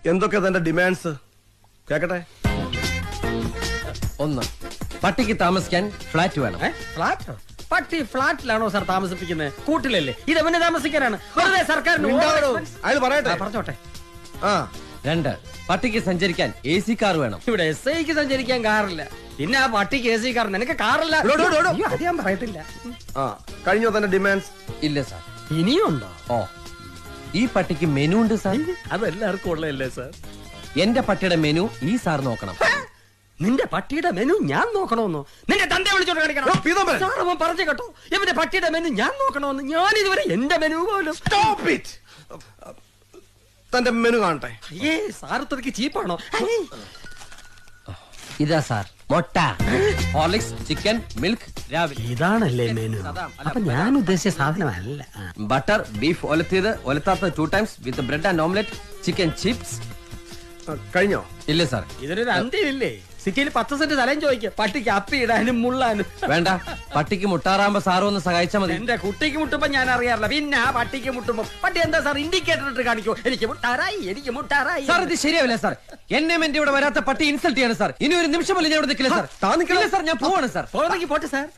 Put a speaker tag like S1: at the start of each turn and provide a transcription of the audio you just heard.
S1: എന്തൊക്കെ തന്റെ ഡിമാൻഡ്സ് കേക്കട്ടെ?
S2: ഒന്ന്, പട്ടിക്ക് താമസിക്കാൻ ഫ്ലാറ്റ് വേണം.
S3: ഫ്ലാറ്റോ? പട്ടി ഫ്ലാറ്റിലാണോ സാർ താമസിപ്പിക്കുന്നത്? കൂട്ടിലല്ലേ? ഇത് എവനെ താമസിക്കാനാണ്? വെറുതെ സർക്കാരിന്
S1: അയാൾ പറയട്ടെ.
S3: പറഞ്ഞോട്ടെ.
S1: ആ,
S2: രണ്ട്, പട്ടിക്ക് സഞ്ചരിക്കാൻ AC കാർ വേണം.
S3: ഇവിടെ SIക്ക് സഞ്ചരിക്കാൻ കാറില്ല, പിന്നെ ആ പട്ടിക്ക് AC കാർ. നിനക്ക് കാറില്ല? അയ്യോ, അത് ഞാൻ പറയത്തില്ല.
S1: ആ, കഴിഞ്ഞോ തന്റെ ഡിമാൻഡ്സ്?
S2: ഇല്ല സാർ.
S3: ഇനിയുണ്ടോ?
S2: ഓ, ഈ പട്ടിക്ക് മെനു ഉണ്ട് സാർ.
S3: അതെല്ലാവർക്കും ഉള്ളതല്ലേ സാർ?
S2: എന്റെ പട്ടിയുടെ മെനു ഈ സാർ നോക്കണം.
S3: നിന്റെ പട്ടിയുടെ മെനു ഞാൻ നോക്കണമെന്നോ? നിന്റെ തന്റെ വിളിച്ചോണ്ട് കാണിക്കണം. സാർ അവൻ പറഞ്ഞു കേട്ടോ, ഇവന്റെ പട്ടിയുടെ മെനു ഞാൻ നോക്കണമെന്ന്. ഞാൻ ഇതുവരെ എന്റെ മെനു പോലും.
S1: Stop it. തന്റെ മെനു കാണട്ടെ.
S3: അയ്യേ, സാർ ഇത്രയ്ക്ക് ചീപ്പാണോ?
S2: ഇതാ സാർ, മുട്ട, ഹോർലിക്സ്, ചിക്കൻ, മിൽക്ക് രാവിലെ.
S3: ഇതാണല്ലേ മെനു? അപ്പൊ ഞാൻ ഉദ്ദേശിച്ച സാധനമല്ല.
S2: ബട്ടർ, ബീഫ് ഒലത്തിയത്, ഒലത്താത്ത 2 times with bread and omelette, chicken chips.
S1: കഴിഞ്ഞോ?
S2: ഇല്ല സാർ.
S3: ഇതിനൊരു അന്ത്യമില്ലേ? സിറ്റിയിൽ 10 സെന്റ് സ്ഥലം ചോദിക്കുക പട്ടിക്ക് അപ്പി ഇടാനും മുള്ളാനും.
S2: വേണ്ട, പട്ടിക്ക് മുട്ടാറാകുമ്പോ സാറ് ഒന്ന് സഹായിച്ചാൽ മതി.
S3: എന്റെ കുട്ടിക്ക് മുട്ടുമ്പോ ഞാൻ അറിയാറില്ല, പിന്നെ ആ പട്ടിക്ക് മുട്ടുമ്പോ പട്ടി എന്താ സാർ ഇൻഡിക്കേറ്റർ ഇട്ട് കാണിക്കോ? എനിക്ക് മുട്ടാറായി, എനിക്ക് മുട്ടാറായി.
S2: സാർ ഇത് ശരിയാവില്ല സാർ. എന്നെ ഇവിടെ വരാത്ത പട്ടി ഇൻസൾട്ട് ചെയ്യാണ് സാർ. ഇനി ഒരു നിമിഷം പോലും ഞാൻ ഇവിടെ നിൽക്കില്ല സാർ.
S1: താ നിൽക്കില്ല
S2: സാർ, ഞാൻ പോവാണ് സാർ.
S3: പോകണമെങ്കിൽ പോട്ടെ സാർ.